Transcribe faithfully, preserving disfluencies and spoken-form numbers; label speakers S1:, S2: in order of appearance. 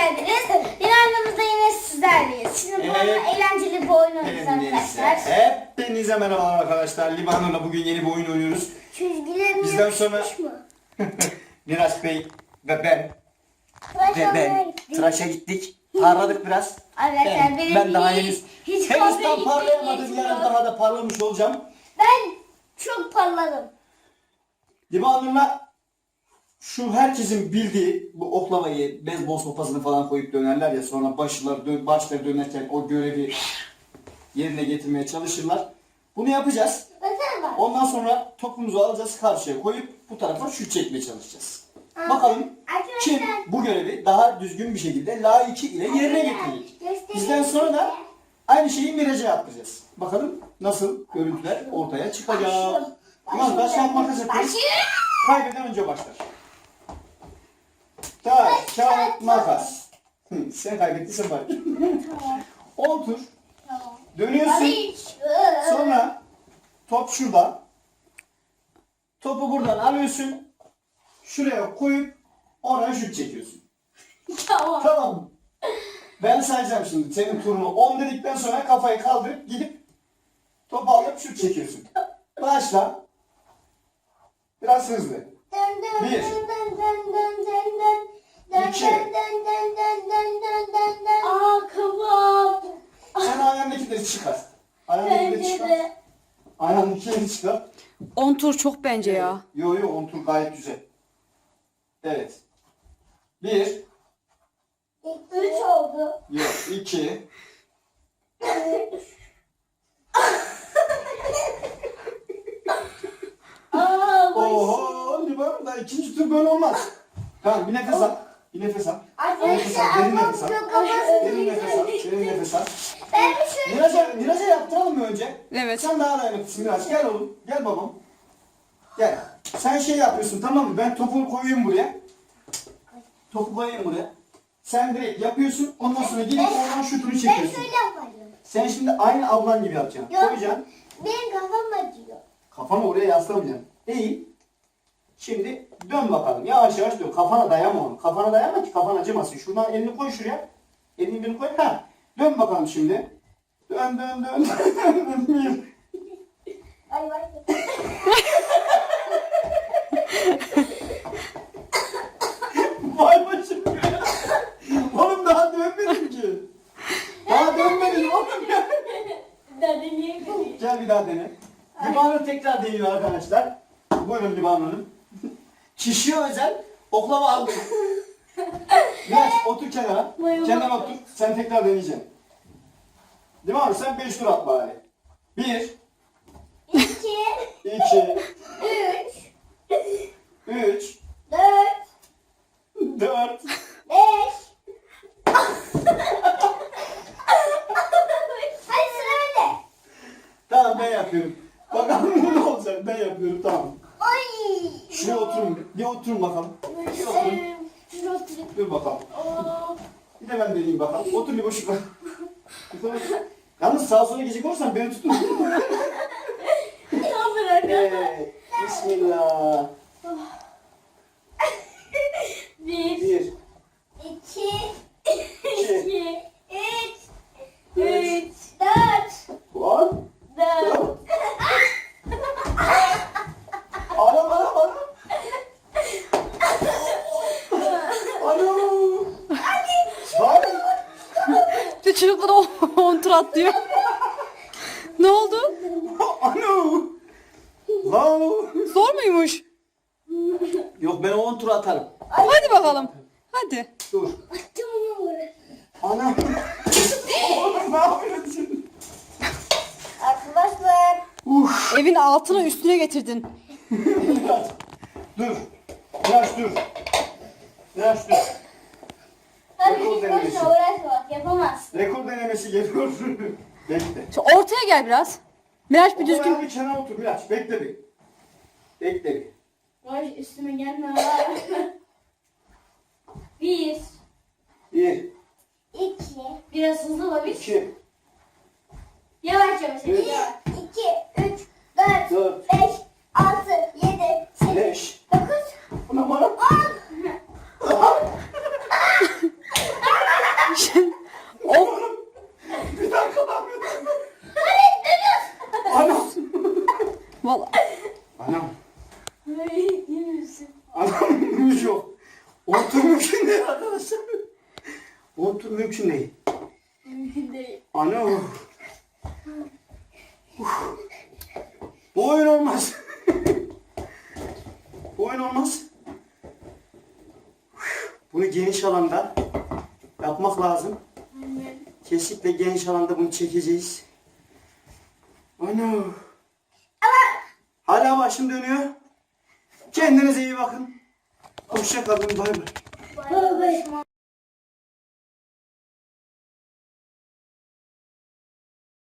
S1: geldiniz. Yine annemizde yine sizlerleyiz. Şimdi bu arada eğlenceli bir oyun oynuyoruz arkadaşlar.
S2: Hepinize merhaba arkadaşlar. Libanur'la bugün yeni bir oyun oynuyoruz.
S1: Çizgilerim
S2: Bizden sonra
S1: mı?
S2: Miraç Bey ve ben
S1: Tıraş
S2: ve ben
S1: olmaya gittik.
S2: tıraşa gittik. Parladık biraz.
S1: Arkadaşlar
S2: Ben,
S1: benim
S2: ben daha
S1: hiç-
S2: henüz,
S1: hiç
S2: henüz
S1: kahve
S2: tam parlayamadım.
S1: içmeye
S2: Yarın
S1: niyetim
S2: daha da parlamış olacağım.
S1: Ben çok parladım.
S2: Libanur'la şu herkesin bildiği bu oklavayı, beyzbol sopasını falan koyup dönerler ya, sonra başlar dön, başları dönerken o görevi yerine getirmeye çalışırlar. Bunu yapacağız.
S1: Baksana bak.
S2: Ondan sonra topumuzu alacağız, karşıya koyup bu tarafa şut çekmeye çalışacağız.
S1: Aa,
S2: Bakalım
S1: arkadaşlar.
S2: kim bu görevi daha düzgün bir şekilde layıkı ile yerine getirecek.
S1: Göstereyim
S2: Bizden sonra da
S1: size.
S2: aynı şeyi Miraç'a yapacağız. Bakalım nasıl görüntüler ortaya çıkacak.
S1: Başlıyorum.
S2: Tamam, taş kağıt makas yapıyoruz.
S1: Başlıyorum.
S2: Kaybeden önce başlar. Taş kağıt makas. Hı, sen kaybettiysen bari.
S1: Tamam.
S2: on tur
S1: Tamam.
S2: dönüyorsun.
S1: Hadi.
S2: Sonra top şurada. Topu buradan alıyorsun. Şuraya koyup oraya şut çekiyorsun.
S1: Tamam.
S2: Tamam mı? Ben sayacağım şimdi senin turunu. on dedikten sonra kafayı kaldırıp gidip topu alıp şut çekiyorsun. Başla. Biraz hızlı.
S1: Dön dön
S2: Bir.
S1: dön dön dön dön dön dön. Dön
S2: İki.
S1: dön dön dön dön dön dön dön dön. Aa kafam.
S2: Sen ayağındakileri çıkar. Ayağındakileri
S1: Bence
S2: çıkar.
S1: de.
S2: Ayağındakileri çıkar.
S3: on tur çok bence ya.
S2: Yo yo, on tur gayet güzel. Evet. Bir.
S1: Üç oldu.
S2: Yok. iki.
S1: Aa baş.
S2: Oho. Liban da ikinci tur böyle olmaz. Tamam, bir nefes al. Bir nefes al. Nefes al.
S1: Arkadaşlar
S2: Derin
S1: ama
S2: nefes al.
S1: çok kafası
S2: Derin nefes al. Derin nefes al.
S1: Ben bir şöyle.
S2: Miraç'a, Miraç'a yaptıralım mı önce?
S3: Evet.
S2: Sen daha dayanıklısın Miraç. Gel oğlum. Gel babam. Gel. Sen şey yapıyorsun, tamam mı? Ben topu koyayım buraya. Topu koyayım buraya. Sen direkt yapıyorsun. Ondan sonra gidip oradan şutunu
S1: Ben
S2: çekiyorsun.
S1: şöyle yaparım.
S2: Sen şimdi aynı ablan gibi yapacaksın.
S1: Yok.
S2: Koyacaksın.
S1: Benim kafam acıyor.
S2: Kafanı oraya yaslamayacaksın. Eğil. Şimdi dön bakalım. Yavaş yavaş dön. Kafana dayama onu. Kafana dayama ki kafan acımasın. Şuradan elini koy şuraya. Elini bir koy. Ha. Dön bakalım şimdi. Dön dön dön. Bir.
S1: Ay vay.
S2: Vay başım ya. Oğlum daha dönmedin ki. Daha dönmedin oğlum ya.
S1: Dede niye gülüyor?
S2: Gel bir daha dene. Libanur tekrar deniyor arkadaşlar. Buyurun Libanur'un. Kişiye özel oklava aldım. Biraz otur kenara.
S1: Buyurun.
S2: Kenara otur. Sen tekrar deneyeceksin. Libanur sen beş tur at bari. Bir,
S1: İki,
S2: iki,
S1: üç,
S2: üç,
S1: dört,
S2: dört.
S1: beş. Hadi sıra bende.
S2: Tamam, ben yapıyorum. Bakalım ne olacak. Ben yapıyorum, tamam.
S1: Ay.
S2: Şuraya oturun. Bir oturun bakalım. Bir oturun.
S1: Ee, şuraya oturayım.
S2: Dur bakalım.
S1: Aa.
S2: Bir de ben deneyeyim bakalım. Otur bir boşluk var. Yalnız sağa sola gidecek olursan beni tutun.
S1: Tamam bırak.
S2: Evet. Bismillah.
S1: Bir,
S2: Bir,
S1: iki,
S2: iki,
S1: iki, üç,
S2: üç,
S1: üç, dört,
S2: on,
S1: dört.
S2: dört. Anam anam anam. Anam. Bak.
S3: Bir çocuklar on tur atlıyor. Ne oldu?
S2: Anam. Wow.
S3: Zor muymuş?
S2: Yok, ben on tur atarım.
S3: Hadi bakalım. Hadi.
S2: Dur.
S1: Attım onu oraya.
S2: Anam. Oğlum ne yapıyorsun?
S1: Arkadaşlar.
S2: Uf.
S3: Evin altına üstüne getirdin.
S2: Biraz. Dur. Biraz dur. Biraz dur.
S1: Hadi
S2: Rekor
S1: git
S2: denemesi.
S1: boşuna uğraşma bak yapamazsın.
S2: Rekor denemesi geliyor. Bekle.
S3: Şu ortaya gel biraz. Miraç bir
S2: Düzgün.
S3: düzgün.
S2: Bir kenara otur Miraç. Bekle bir. Bekle bir.
S1: Vay üstüme gelme ha. Bir,
S2: Bir,
S1: iki, biraz hızlı babiş.
S2: iki,
S1: Yavaş yavaş.
S2: Üç.
S1: Bir, iki, üç, dört,
S2: dört,
S1: beş, altı, yedi, sekiz,
S2: beş.
S1: dokuz,
S2: Buna bana.
S1: on.
S2: arkadaşlar. Otur mümkün değil.
S1: Mümkün değil.
S2: Ana. Uf. Bu oyun olmaz. Bu oyun olmaz. Bunu geniş alanda yapmak lazım.
S1: Aynen.
S2: Kesinlikle geniş alanda bunu çekeceğiz. Ana. Hala başım dönüyor. Kendinize iyi bakın. Hoşça kalın. Bay bay.
S1: Bay bay.